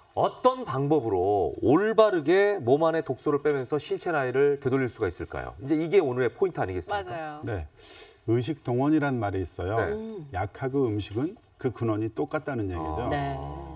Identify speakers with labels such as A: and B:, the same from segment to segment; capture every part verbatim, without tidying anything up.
A: 어떤 방법으로 올바르게 몸 안에 독소를 빼면서 신체 나이를 되돌릴 수가 있을까요? 이제 이게 오늘의 포인트 아니겠습니까?
B: 맞아요.
C: 네, 의식 동원이란 말이 있어요.
A: 네.
B: 음.
C: 약하고 음식은 그 근원이 똑같다는 얘기죠.
B: 네.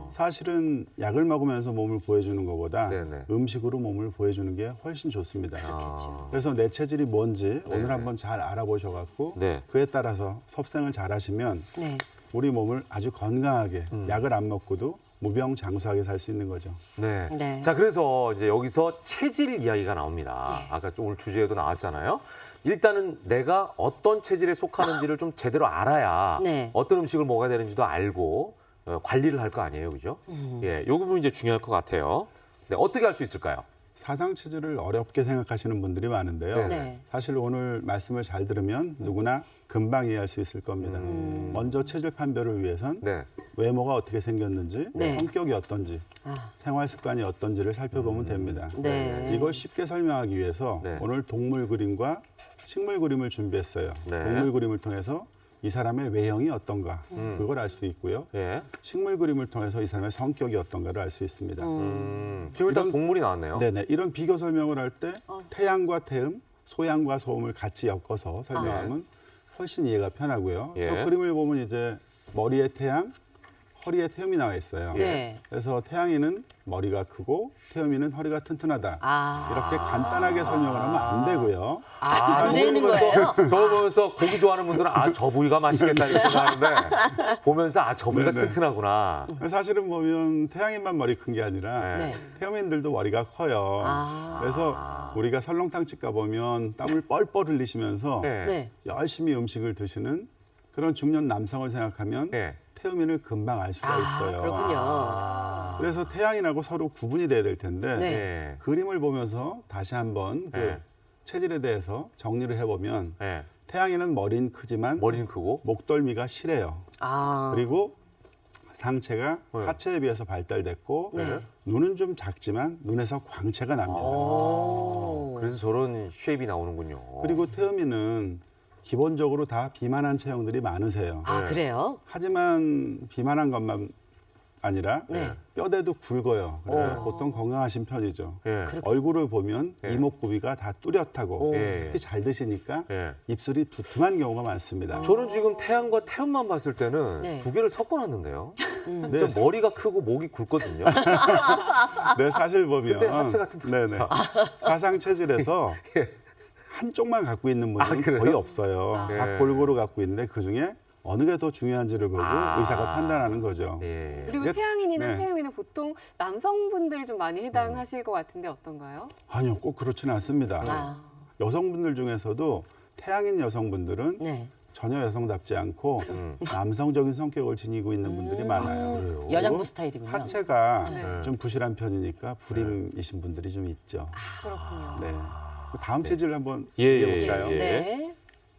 C: 사실은 약을 먹으면서 몸을 보여주는 것보다
A: 네네.
C: 음식으로 몸을 보여주는 게 훨씬 좋습니다.
A: 아,
C: 그래서 내 체질이 뭔지
A: 네네.
C: 오늘 한번 잘 알아보셔갖고
A: 네.
C: 그에 따라서 섭생을 잘 하시면
B: 네.
C: 우리 몸을 아주 건강하게
A: 음.
C: 약을 안 먹고도 무병장수하게 살 수 있는 거죠.
A: 네.
B: 네.
A: 자, 그래서 이제 여기서 체질 이야기가 나옵니다.
B: 네.
A: 아까 좀 오늘 주제에도 나왔잖아요. 일단은 내가 어떤 체질에 속하는지를 좀 제대로 알아야
B: 네.
A: 어떤 음식을 먹어야 되는지도 알고 어, 관리를 할 거 아니에요, 그죠?
B: 음.
A: 예, 이 부분이 이제 중요할 것 같아요. 네, 어떻게 할 수 있을까요?
C: 사상 체질을 어렵게 생각하시는 분들이 많은데요.
A: 네.
B: 네.
C: 사실 오늘 말씀을 잘 들으면 누구나 금방 이해할 수 있을 겁니다.
A: 음.
C: 먼저 체질 판별을 위해선
A: 네.
C: 외모가 어떻게 생겼는지,
B: 네.
C: 성격이 어떤지,
B: 아,
C: 생활 습관이 어떤지를 살펴보면 됩니다.
B: 네.
C: 이걸 쉽게 설명하기 위해서
A: 네.
C: 오늘 동물 그림과 식물 그림을 준비했어요.
A: 네.
C: 동물 그림을 통해서 이 사람의 외형이 어떤가
A: 음.
C: 그걸 알 수 있고요.
A: 예.
C: 식물 그림을 통해서 이 사람의 성격이 어떤가를 알 수 있습니다.
A: 음, 지금 일단
C: 이런-
A: 동물이 나왔네요.
C: 네네 이런 비교 설명을 할 때
B: 어.
C: 태양과 태음, 소양과 소음을 같이 엮어서 설명하면 훨씬 이해가 편하고요.
A: 예.
C: 저 그림을 보면 이제 머리에 태양, 허리에 태음이 나와 있어요.
B: 네.
C: 그래서 태양이는 머리가 크고 태음이는 허리가 튼튼하다.
B: 아.
C: 이렇게 간단하게 설명을 하면 안 되고요.
B: 아, 안
A: 저걸
B: 되는
A: 보면서-
B: 거예요?
A: 저걸 보면서 고기 좋아하는 분들은 아, 저 부위가 맛있겠다 이렇게 생각하는데 보면서 아, 저 부위가
C: 네네.
A: 튼튼하구나.
C: 사실은 보면 태양인만 머리 큰 게 아니라
A: 네.
B: 네.
C: 태음인들도 머리가 커요.
B: 아.
C: 그래서 우리가 설렁탕집 가보면 땀을 뻘뻘 흘리시면서
A: 네.
B: 네.
C: 열심히 음식을 드시는 그런 중년 남성을 생각하면
A: 네.
C: 태음인을 금방 알 수가
B: 아,
C: 있어요.
B: 그렇군요.
A: 아.
C: 그래서 태양인하고 서로 구분이 돼야 될 텐데
B: 네.
A: 네.
C: 그림을 보면서 다시 한번 그
A: 네.
C: 체질에 대해서 정리를 해보면
A: 네.
C: 태양인은 머리는 크지만
A: 머리는 크고.
C: 목덜미가 실해요.
B: 아.
C: 그리고 상체가
A: 네.
C: 하체에 비해서 발달됐고
B: 네.
C: 눈은 좀 작지만 눈에서 광채가 납니다.
B: 오.
A: 그래서 저런 쉐입이 나오는군요.
C: 그리고 태음인은 기본적으로 다 비만한 체형들이 많으세요.
B: 아,
A: 네.
B: 그래요?
C: 하지만 비만한 것만 아니라
B: 네.
C: 뼈대도 굵어요. 그래서
B: 오.
C: 보통 건강하신 편이죠.
A: 예.
B: 그렇-
C: 얼굴을 보면
A: 예.
C: 이목구비가 다 뚜렷하고
B: 오.
A: 예.
C: 특히 잘 드시니까
A: 예.
C: 입술이 두툼한 경우가 많습니다.
A: 저는 지금 태양과 태음만 봤을 때는
B: 네.
A: 두 개를 섞어놨는데요.
B: 음.
C: 네,
A: 저 머리가 크고 목이 굵거든요.
C: 네, 사실 보면
A: 근데 하체가 튼튼하다.
C: 네네. 사상 체질에서
A: 예.
C: 한쪽만 갖고 있는 분들은
A: 아, 그래요?
C: 거의 없어요.
A: 아.
C: 다
A: 네.
C: 골고루 갖고 있는데 그 중에 어느 게 더 중요한지를 보고
A: 아.
C: 의사가 판단하는 거죠.
A: 예.
B: 그리고
C: 이게-
B: 태양인이나
C: 네.
B: 태음인은 보통 남성분들이 좀 많이 해당하실 것 같은데 어떤가요?
C: 아니요, 꼭 그렇지는 않습니다.
B: 아.
C: 여성분들 중에서도 태양인 여성분들은
B: 네.
C: 전혀 여성답지 않고
A: 음.
C: 남성적인 성격을 지니고 있는 분들이
B: 음.
C: 많아요.
A: 그래요?
B: 여장부
C: 그리고
B: 스타일이군요.
C: 하체가
B: 네.
C: 좀 부실한 편이니까 불임이신 분들이 좀 있죠.
B: 그렇군요.
C: 네. 다음 체질을 한번
A: 예, 예,
C: 얘기해 볼까요?
A: 예.
B: 네.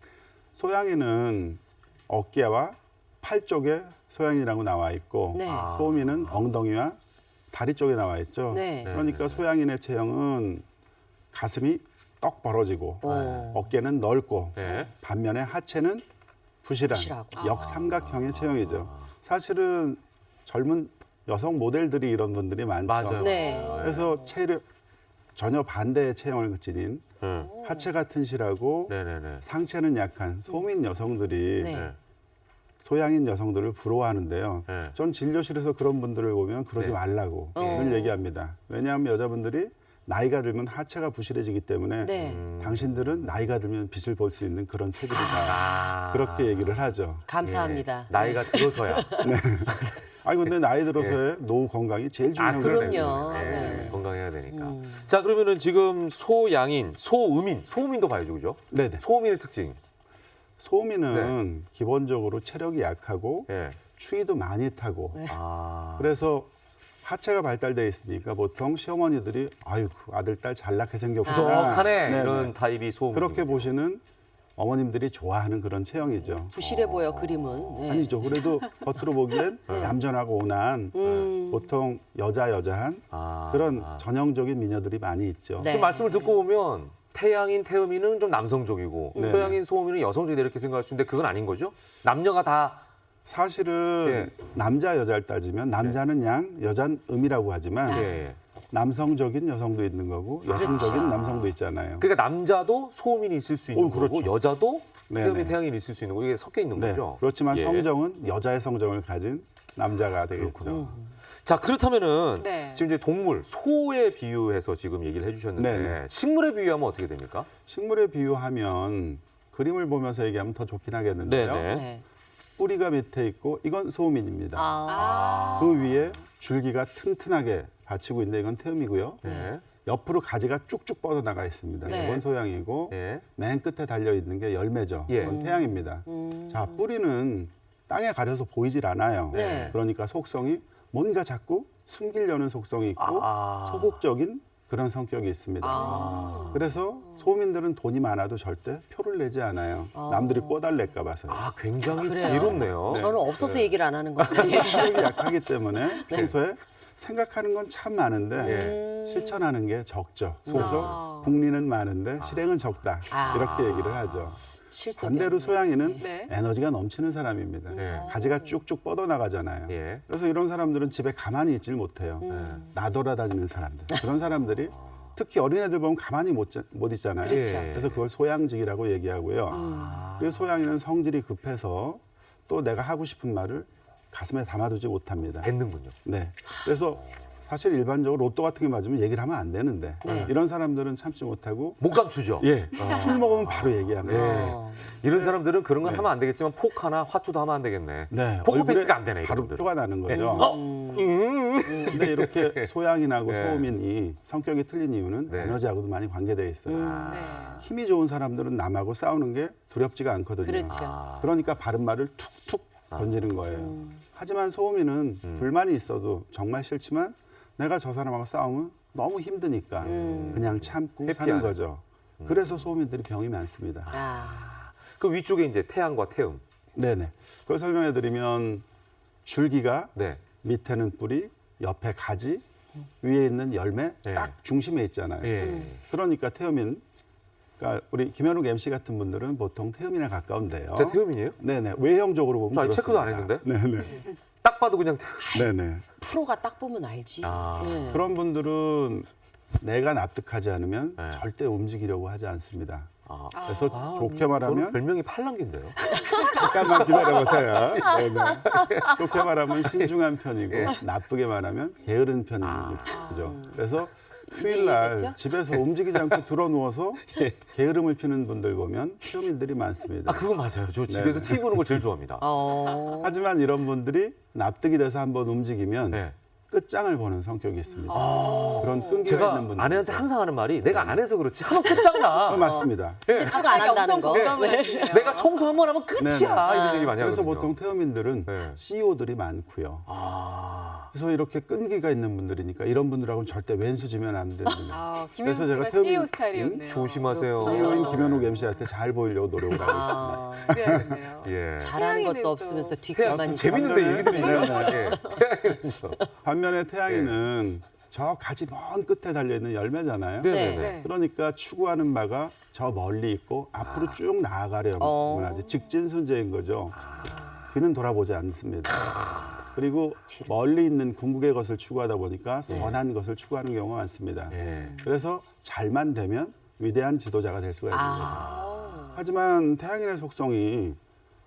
C: 소양이는 어깨와 팔 쪽에 소양이라고 나와 있고
B: 네.
A: 아.
C: 소음이는 엉덩이와 다리 쪽에 나와 있죠.
B: 네.
C: 그러니까 소양인의 체형은 가슴이 떡 벌어지고
B: 오.
C: 어깨는 넓고
A: 네.
C: 반면에 하체는 부실한
B: 부실하고.
C: 역삼각형의 체형이죠. 사실은 젊은 여성 모델들이 이런 분들이 많죠.
A: 맞아요.
B: 네.
C: 그래서 체력 전혀 반대의 체형을 지닌
A: 네.
C: 하체가 튼실하고
A: 네네네.
C: 상체는 약한 소민 여성들이
B: 네.
A: 네.
C: 소양인 여성들을 부러워하는데요.
A: 네.
C: 전 진료실에서 그런 분들을 보면 그러지
A: 네.
C: 말라고
B: 어.
C: 늘 얘기합니다. 왜냐하면 여자분들이 나이가 들면 하체가 부실해지기 때문에
B: 네.
A: 음.
C: 당신들은 나이가 들면 빛을 볼 수 있는 그런 체질이다.
A: 아.
C: 그렇게 얘기를 하죠.
B: 감사합니다.
A: 예. 나이가 들어서야.
C: 아니 근데 나이 들어서의 노후 건강이 제일
A: 아,
C: 중요한
A: 그러네요.
B: 그럼요.
A: 예,
B: 네.
A: 건강해야 되니까.
B: 음.
A: 자, 그러면은 지금 소양인, 소음인, 소음인도 봐야죠, 그죠?
C: 네네.
A: 소음인의 특징.
C: 소음인은 기본적으로 체력이 약하고
A: 예.
C: 추위도 많이 타고
B: 네.
A: 아.
C: 그래서 하체가 발달돼 있으니까 보통 시어머니들이 아유 그 아들 딸 잘나게 생겼구나.
A: 부덕하네
C: 네네.
A: 이런 타입이 소음.
C: 그렇게 보시는 어머님들이 좋아하는 그런 체형이죠.
B: 부실해 보여 그림은. 네.
C: 아니죠. 그래도 겉으로 보기엔 얌전하고 온화한
B: 음.
C: 보통 여자 여자한
A: 아.
C: 그런
A: 아.
C: 전형적인 미녀들이 많이 있죠.
B: 네.
A: 좀 말씀을 듣고 보면 태양인, 태음인은 좀 남성적이고
C: 네.
A: 소양인, 소음인은 여성적이다 이렇게 생각할 수 있는데 그건 아닌 거죠? 남녀가 다
C: 사실은
A: 예.
C: 남자 여자를 따지면 남자는 양, 여자는 음이라고 하지만
A: 예, 예.
C: 남성적인 여성도 있는 거고 여성적인
A: 그렇죠.
C: 남성도 있잖아요.
A: 그러니까 남자도 소음인이 있을 수 있는
C: 오, 그렇죠.
A: 거고 여자도
C: 네네.
A: 태음인 태양인이 있을 수 있는 거고 이게 섞여 있는
C: 네.
A: 거죠.
C: 그렇지만
A: 예.
C: 성정은 여자의 성정을 가진 남자가 되겠죠.
A: 그렇군요. 자 그렇다면은
B: 네.
A: 지금 이제 동물 소에 비유해서 지금 얘기를 해주셨는데
C: 네네.
A: 식물에 비유하면 어떻게 됩니까?
C: 식물에 비유하면 그림을 보면서 얘기하면 더 좋긴 하겠는데요.
A: 네네.
D: 네.
C: 뿌리가 밑에 있고 이건 소음인입니다.
D: 아.
C: 그 위에 줄기가 튼튼하게 받치고 있는데 이건 태음이고요.
A: 네.
C: 옆으로 가지가 쭉쭉 뻗어나가 있습니다.
D: 네.
C: 이건 소양이고
A: 예.
C: 맨 끝에 달려 있는 게 열매죠.
A: 예.
C: 이건 태양입니다.
D: 음.
C: 자, 뿌리는 땅에 가려서 보이질 않아요.
D: 네.
C: 그러니까 속성이 뭔가 자꾸 숨기려는 속성이 있고
A: 아.
C: 소극적인 그런 성격이 있습니다.
D: 아.
C: 그래서 소민들은 돈이 많아도 절대 표를 내지 않아요.
D: 아.
C: 남들이 꼬달릴까 봐서요.
A: 아 굉장히
D: 그래요?
A: 지혜롭네요.
C: 네.
D: 저는 없어서 얘기를 안 하는 건데.
C: 성격이 약하기 때문에 평소에 생각하는 건 참 많은데
A: 예.
C: 실천하는 게 적죠. 그래서
B: 아.
C: 국리는 많은데 실행은 적다.
D: 아.
C: 이렇게 얘기를 하죠.
D: 실속이
C: 반대로
D: 없네.
C: 소양이는
B: 네.
C: 에너지가 넘치는 사람입니다.
A: 네.
C: 가지가 쭉쭉 뻗어나가잖아요.
A: 예.
C: 그래서 이런 사람들은 집에 가만히 있질 못해요.
D: 음.
C: 나돌아다니는 사람들. 그런 사람들이 특히 어린애들 보면 가만히 못, 자- 못 있잖아요.
D: 그렇죠.
A: 예.
C: 그래서 그걸 소양직이라고 얘기하고요.
A: 아.
C: 그래서 소양이는 성질이 급해서 또 내가 하고 싶은 말을 가슴에 담아두지 못합니다.
A: 뱉는군요.
C: 네. 그래서 사실 일반적으로 로또 같은 게 맞으면 얘기를 하면 안 되는데
D: 네.
C: 이런 사람들은 참지 못하고
A: 못 감추죠.
C: 예, 술 먹으면 바로 얘기합니다.
A: 예.
D: 어.
A: 이런 사람들은 그런 건
C: 네.
A: 하면 안 되겠지만 폭 하나 화투도 하면 안 되겠네.
C: 네,
A: 포커
C: 얼굴에
A: 페이스가 안 되네
C: 바로
A: 이분들.
C: 표가 나는 거죠.
A: 어?
D: 음.
A: 음.
C: 근데 이렇게 소양인하고
A: 네.
C: 소음인이 성격이 틀린 이유는
A: 네.
C: 에너지하고도 많이 관계되어 있어요.
D: 음.
B: 네.
C: 힘이 좋은 사람들은 남하고 싸우는 게 두렵지가 않거든요.
D: 그렇죠.
A: 아.
C: 그러니까 바른 말을 툭툭 던지는 거예요.
D: 음.
C: 하지만 소음인은
A: 음.
C: 불만이 있어도 정말 싫지만 내가 저 사람하고 싸우면 너무 힘드니까
D: 음.
C: 그냥 참고 사는
A: 회피하는.
C: 거죠. 그래서 소음인들이 병이 많습니다.
D: 아.
A: 그 위쪽에 이제 태양과 태음.
C: 네네. 그걸 설명해 드리면 줄기가
A: 네.
C: 밑에는 뿌리, 옆에 가지, 위에 있는 열매
A: 네.
C: 딱 중심에 있잖아요.
A: 예.
C: 그러니까 태음인, 그러니까 우리 김현욱 엠씨 같은 분들은 보통 태음인에 가까운데요.
A: 제 태음이에요?
C: 네네. 외형적으로 보면
A: 저 아직 체크도 안
C: 그렇습니다.
A: 했는데?
C: 네네.
A: 딱 봐도 그냥 태음.
C: 네네.
D: 프로가 딱 보면 알지.
A: 아.
D: 네.
C: 그런 분들은 내가 납득하지 않으면
A: 네.
C: 절대 움직이려고 하지 않습니다.
A: 아.
C: 그래서
A: 아,
C: 좋게
A: 저는
C: 말하면
A: 별명이 팔랑귀인데요.
C: 잠깐만 기다려보세요. 네네. 좋게 말하면 신중한 편이고 나쁘게 말하면 게으른 편인 거죠. 그래서 휴일날
D: 얘기했죠?
C: 집에서 움직이지 않고 들어 누워서 게으름을 피는 분들 보면 태음인들이 많습니다.
A: 아 그건 맞아요. 저 집에서
C: 네네.
A: 티비 보는 걸 제일 좋아합니다.
D: 어.
C: 하지만 이런 분들이 납득이 돼서 한번 움직이면
A: 네.
C: 끝장을 보는 성격이 있습니다. 그런 끈기가 있는
A: 제가
C: 분들.
A: 아내한테 항상 하는 말이 내가 안 해서 그렇지 하면 끝장나.
C: 어, 맞습니다.
D: 추가 안 한다는 거.
B: 공감을
A: 내가 청소 한 번 하면 끝이야.
C: 네네.
A: 이런 얘기 많이
C: 그래서
A: 하거든요.
C: 보통 태음인들은
A: 네.
C: 씨이오들이 많고요.
A: 아.
C: 그래서 이렇게 끈기가 있는 분들이니까 이런 분들하고는 절대 왼수지면 안 됩니다.
B: 아,
C: 그래서
B: 김현수
C: 제가
B: 씨가 씨이오
C: 태음인-
B: 스타일이었네요.
A: 조심하세요.
C: 씨이오인 김현욱 엠씨한테 잘 보이려고 노력을 하고 있습니다.
D: 아.
B: 그래야겠네요.
A: 예.
D: 잘하는
B: 태양이는
D: 것도
B: 또-
D: 없으면서
A: 태양
D: 뒷골만 있고.
A: 재밌는데
C: 반면에-
A: 얘기들이
C: 네,
A: 예. 태양이는 있어.
C: 반면에 태양이는 저 가지 먼 끝에 달려있는 열매잖아요.
A: 네네네.
B: 네.
C: 그러니까 추구하는 바가 저 멀리 있고 앞으로 쭉 나아가려면
D: 어.
C: 하지 직진순재인 거죠. 뒤는 돌아보지 않습니다. 그리고 멀리 있는 궁극의 것을 추구하다 보니까 선한 것을 추구하는 경우가 많습니다.
A: 예.
C: 그래서 잘만 되면 위대한 지도자가 될 수가 있는 거죠.
D: 아.
C: 하지만 태양인의 속성이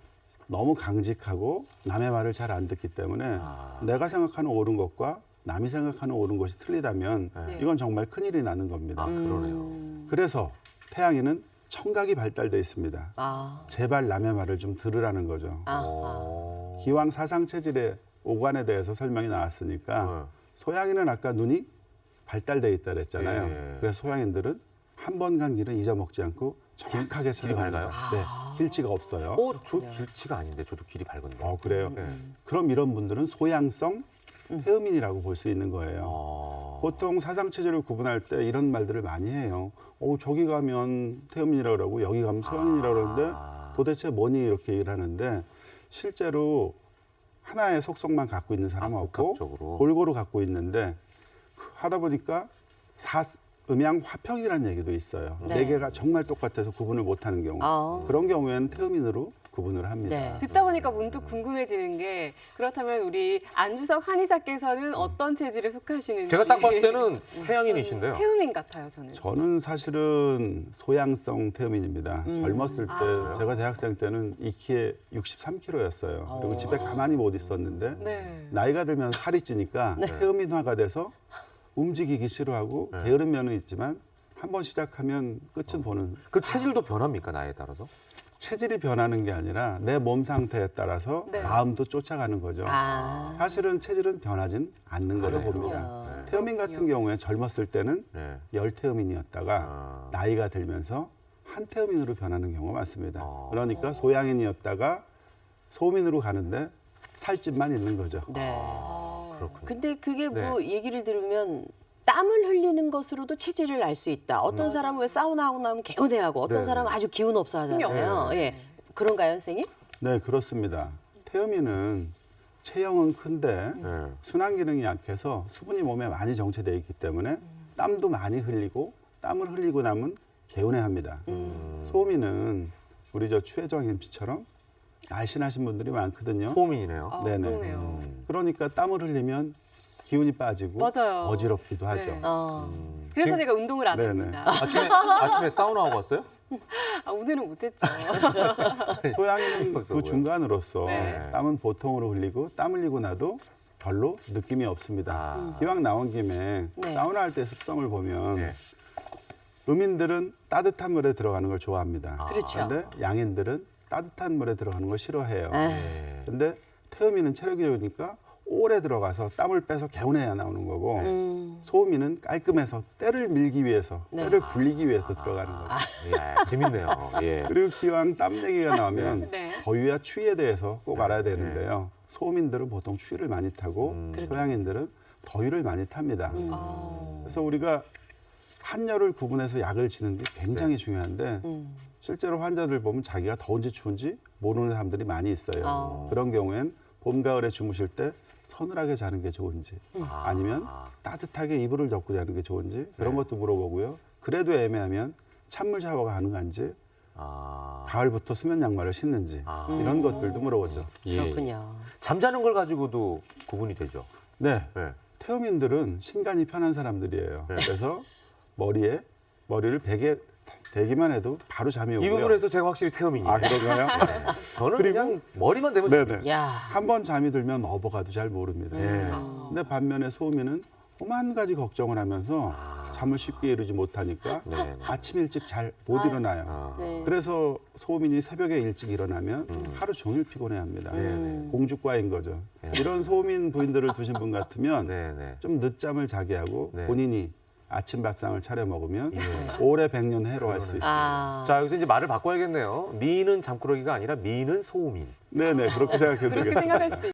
C: 너무 강직하고 남의 말을 잘 안 듣기 때문에
A: 아.
C: 내가 생각하는 옳은 것과 남이 생각하는 옳은 것이 틀리다면
B: 네.
C: 이건 정말 큰일이 나는 겁니다.
A: 아 그러네요.
D: 음.
C: 그래서 태양인은 청각이 발달돼 있습니다.
D: 아.
C: 제발 남의 말을 좀 들으라는 거죠.
D: 아. 아.
A: 어.
C: 기왕 사상체질의 오관에 대해서 설명이 나왔으니까
A: 네.
C: 소양인은 아까 눈이 발달돼 있다 그랬잖아요.
A: 예.
C: 그래서 소양인들은 한 번 간 길은 잊어먹지 않고 정확하게
A: 길이
C: 찾아갑니다.
A: 밝아요?
C: 네, 길치가 없어요.
A: 어, 저 길치가 아닌데 저도 길이 밝은데.
C: 어, 그래요.
A: 네.
C: 그럼 이런 분들은 소양성 태음인이라고 볼 수 있는 거예요.
A: 아.
C: 보통 사상체질을 구분할 때 이런 말들을 많이 해요. 어, 저기 가면 태음인이라고 그러고 여기 가면 소양인이라고 그러는데
A: 아.
C: 도대체 뭐니 이렇게 얘기를 하는데 실제로 하나의 속성만 갖고 있는 사람은
A: 아,
C: 없고
A: 복합적으로.
C: 골고루 갖고 있는데 그 하다 보니까 사, 음양 화평이라는 얘기도 있어요.
D: 네.
C: 네 개가 정말 똑같아서 구분을 못하는 경우.
D: 아.
C: 그런 경우에는 태음인으로 구분을 합니다.
D: 네.
B: 듣다 보니까 문득 궁금해지는 게 그렇다면 우리 안주석 한의사께서는 어떤 체질에 속하시는지
A: 제가 딱 봤을 때는 태양인이신데요.
B: 태음인 같아요, 저는.
C: 저는 사실은 소양성 태음인입니다.
D: 음.
C: 젊었을 때
B: 아.
C: 제가 대학생 때는 이 키에 육십삼 킬로였어요. 그리고
D: 어.
C: 집에 가만히 못 있었는데
B: 네.
C: 나이가 들면 살이 찌니까 태음인화가 돼서 움직이기 싫어하고
A: 네.
C: 게으른 면은 있지만 한 번 시작하면 끝은 보는.
A: 그 체질도 변합니까, 나이에 따라서?
C: 체질이 변하는 게 아니라 내 몸 상태에 따라서
B: 네.
C: 마음도 쫓아가는 거죠.
D: 아.
C: 사실은 체질은 변하진 않는 거로
A: 그래요?
C: 봅니다.
A: 네.
C: 태음인 같은 경우에 젊었을 때는
A: 네.
C: 열태음인이었다가
A: 아.
C: 나이가 들면서 한태음인으로 변하는 경우가 많습니다.
A: 아.
C: 그러니까 소양인이었다가 소음인으로 가는데 살집만 있는 거죠.
D: 네.
B: 아.
A: 그렇군요.
D: 근데 그게 뭐
A: 네.
D: 얘기를 들으면 땀을 흘리는 것으로도 체질을 알 수 있다. 어떤
A: 음.
D: 사람은 왜 사우나 하고 나면 개운해하고 어떤
C: 네.
D: 사람은 아주 기운 없어 하잖아요.
A: 네.
D: 예. 그런가요, 선생님?
C: 네, 그렇습니다. 태음인은 체형은 큰데
A: 네.
C: 순환 기능이 약해서 수분이 몸에 많이 정체되어 있기 때문에 땀도 많이 흘리고 땀을 흘리고 나면 개운해합니다. 소음인은 우리 저 추혜정 엠씨처럼 날씬하신 분들이 많거든요.
A: 소음인이네요.
B: 아,
C: 네네.
B: 그러네요.
A: 음.
C: 그러니까 땀을 흘리면 기운이 빠지고
B: 맞아요.
C: 어지럽기도 하죠.
B: 네.
D: 어.
A: 음.
B: 그래서
A: 지금
B: 제가 운동을 안
C: 네네.
B: 합니다.
A: 아침에, 아침에 사우나 하고 왔어요?
B: 아, 오늘은 못했죠.
C: 소양인은
A: 벌써
C: 그
A: 뭐야?
C: 중간으로서
B: 네.
C: 땀은 보통으로 흘리고 땀 흘리고 나도 별로 느낌이 없습니다.
A: 아.
C: 기왕 나온 김에
D: 네.
C: 사우나 할 때 습성을 보면
A: 네.
C: 음인들은 따뜻한 물에 들어가는 걸 좋아합니다.
A: 아.
D: 그렇죠.
C: 그런데 양인들은 따뜻한 물에 들어가는 걸 싫어해요.
D: 아.
A: 네.
C: 근데 태음인은 체력이 좋으니까 오래 들어가서 땀을 빼서 개운해야 나오는 거고
D: 음.
C: 소음인은 깔끔해서 때를 밀기 위해서
D: 네.
C: 때를 불리기 위해서 들어가는 거죠.
A: 예, 재밌네요. 예.
C: 그리고 기왕 땀 얘기가 나오면
B: 네.
C: 더위와 추위에 대해서 꼭
A: 네.
C: 알아야 되는데요. 소음인들은 보통 추위를 많이 타고
A: 음.
D: 그렇죠.
C: 소양인들은 더위를 많이 탑니다.
D: 음.
B: 아.
C: 그래서 우리가 한열을 구분해서 약을 지는 게 굉장히
A: 네.
C: 중요한데
D: 음.
C: 실제로 환자들 보면 자기가 더운지 추운지 모르는 사람들이 많이 있어요.
D: 아.
C: 그런 경우엔 봄, 가을에 주무실 때 서늘하게 자는 게 좋은지
A: 아.
C: 아니면 따뜻하게 이불을 덮고 자는 게 좋은지 그런
A: 네.
C: 것도 물어보고요. 그래도 애매하면 찬물 샤워가 가능한지
A: 아.
C: 가을부터 수면 양말을 신는지
A: 아.
C: 이런 것들도 물어보죠.
A: 예.
D: 그렇군요.
A: 잠자는 걸 가지고도 구분이 되죠.
C: 네,
A: 네.
C: 태음인들은 신간이 편한 사람들이에요.
A: 네.
C: 그래서 머리에 머리를 베개 대기만 해도 바로 잠이 오고요.
A: 이 부분에서 제가 확실히 태음인이에요.
C: 아 그런가요?
A: 저는
C: 그리고-
A: 그냥 머리만 대면
C: 네네.
D: 야.
C: 한 번 잠이 들면 넘어가도 잘 모릅니다.
A: 예.
B: 아.
C: 근데 반면에 소음인은 오만 가지 걱정을 하면서 잠을 쉽게 이루지 못하니까
A: 네, 네.
C: 아침 일찍 잘 못 일어나요.
A: 아.
D: 네.
C: 그래서 소음인이 새벽에 일찍 일어나면 하루 종일 피곤해합니다.
A: 네.
C: 공주과인 거죠. 이런 소음인 부인들을 두신 분 같으면
A: 네, 네.
C: 좀 늦잠을 자게 하고
A: 네.
C: 본인이 아침 밥상을 차려 먹으면
A: 예.
C: 오래 백년 해로할 수 있습니다.
D: 아.
A: 자, 여기서 이제 말을 바꿔야겠네요. 미는 잠꾸러기가 아니라 미는 소음인.
C: 네네 그렇게 생각해도
B: 그렇게
C: 되겠습니다.
B: 생각할 수도